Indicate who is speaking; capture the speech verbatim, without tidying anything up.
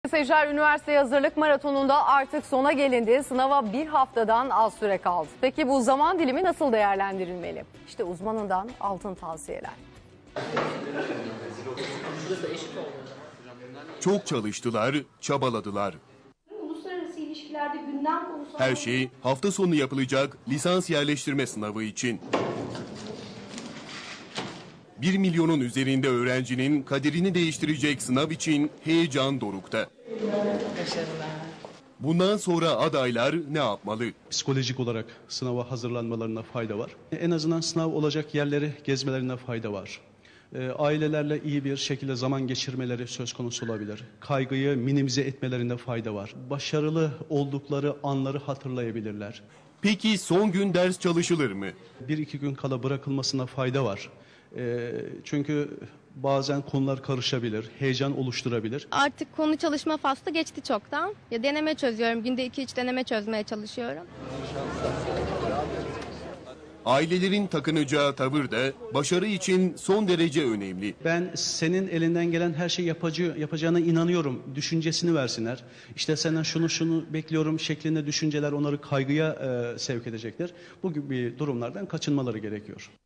Speaker 1: Seyirciler, üniversite hazırlık maratonunda artık sona gelindi. Sınava bir haftadan az süre kaldı. Peki bu zaman dilimi nasıl değerlendirilmeli? İşte uzmanından altın tavsiyeler.
Speaker 2: Çok çalıştılar, çabaladılar.
Speaker 3: Uluslararası ilişkilerde gündem konusu...
Speaker 2: Her şey hafta sonu yapılacak lisans yerleştirme sınavı için. Bir milyonun üzerinde öğrencinin kaderini değiştirecek sınav için heyecan dorukta. Bundan sonra adaylar ne yapmalı?
Speaker 4: Psikolojik olarak sınava hazırlanmalarına fayda var. En azından sınav olacak yerleri gezmelerine fayda var. Ailelerle iyi bir şekilde zaman geçirmeleri söz konusu olabilir. Kaygıyı minimize etmelerinde fayda var. Başarılı oldukları anları hatırlayabilirler.
Speaker 2: Peki son gün ders çalışılır mı?
Speaker 4: Bir iki gün kala bırakılmasına fayda var. Çünkü bazen konular karışabilir, heyecan oluşturabilir.
Speaker 5: Artık konu çalışma faslı geçti çoktan. Ya deneme çözüyorum. Günde iki üç deneme çözmeye çalışıyorum.
Speaker 2: Ailelerin takınacağı tavır da başarı için son derece önemli.
Speaker 4: Ben senin elinden gelen her şeyi yapacı, yapacağına inanıyorum düşüncesini versinler. İşte senden şunu şunu bekliyorum şeklinde düşünceler onları kaygıya e, sevk edecektir. Bu gibi durumlardan kaçınmaları gerekiyor.